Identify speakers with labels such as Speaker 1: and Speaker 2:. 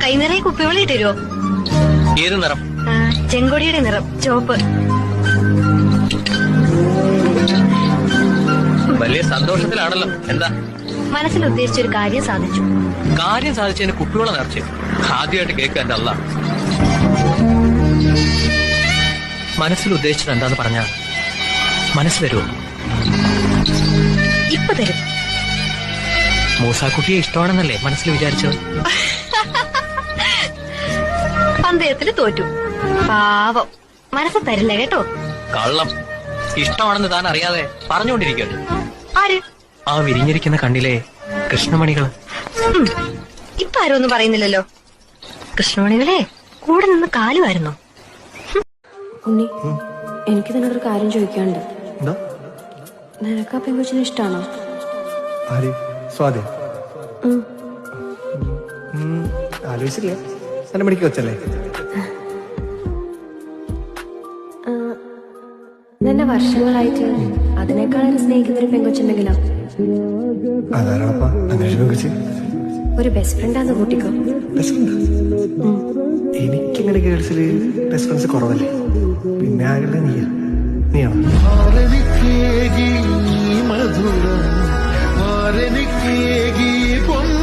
Speaker 1: കൈ നിറയെ കുപ്പിവെള്ളം ഇട്ടുതരുമോ?
Speaker 2: ഏത് നിറം?
Speaker 1: ചെങ്കൊടിയുടെ നിറം, ചുവപ്പ്.
Speaker 2: വലിയ സന്തോഷത്തിലാണല്ലോ. എന്താ?
Speaker 1: മനസ്സിൽ ഉദ്ദേശിച്ചൊരു കാര്യം സാധിച്ചു.
Speaker 2: കാര്യം സാധിച്ചതിന് കുപ്പിവെള്ളം നിറച്ചു. ആദ്യമായിട്ട് കേൾക്കുക എന്റെ അല്ല. മനസ്സിൽ ഉദ്ദേശിച്ചത് എന്താന്ന് പറഞ്ഞാ മനസ്സ് തരുമോ?
Speaker 1: ഇപ്പൊ തരും.
Speaker 2: മൂസാക്കുട്ടിയെ ഇഷ്ടമാണെന്നല്ലേ മനസ്സിൽ വിചാരിച്ചത്?
Speaker 1: പന്തയത്തില് തോറ്റു. പാവം, മനസ്സ് തരില്ല കേട്ടോ.
Speaker 2: കള്ളം. ഇഷ്ടമാണെന്ന് താൻ അറിയാതെ പറഞ്ഞുകൊണ്ടിരിക്കുന്നു.
Speaker 1: ആര്?
Speaker 2: ആ വിരിഞ്ഞിരിക്കുന്ന കണ്ണിലെ കൃഷ്ണമണികൾ.
Speaker 1: ഇപ്പൊ ആരും ഒന്നും പറയുന്നില്ലല്ലോ. കൃഷ്ണമണികളെ കൂടെ നിന്ന് കാലുമായിരുന്നോ?
Speaker 3: ഉണ്ണി, എനിക്ക് നിന്നൊരു കാര്യം ചോദിക്കാനുണ്ട്. നിനക്ക് ആ പെങ്കൊച്ചിനെ ഇഷ്ടാണോ?
Speaker 4: സ്വാതി ആലോചിച്ചില്ലേ? എന്നെ മണിക്ക് വെച്ചല്ലേ?
Speaker 3: നിന്നെ വർഷങ്ങളായിട്ട് അതിനേക്കാളും സ്നേഹിക്കുന്ന ഒരു പെങ്കൊച്ചുണ്ടെങ്കിലോ?
Speaker 4: അതാരാണപ്പാ അങ്ങനെ പെങ്കൊച്ച്?
Speaker 3: ഒരു ബെസ്റ്റ് ഫ്രണ്ടാന്ന് കൂട്ടിക്കോ.
Speaker 4: എനിക്കിങ്ങനെ ഗേൾസില് ബെസ്റ്റ് ഫ്രണ്ട്സ് കുറവല്ലേ? പിന്നെ ആകെ നീയാണോ?
Speaker 5: മധുരം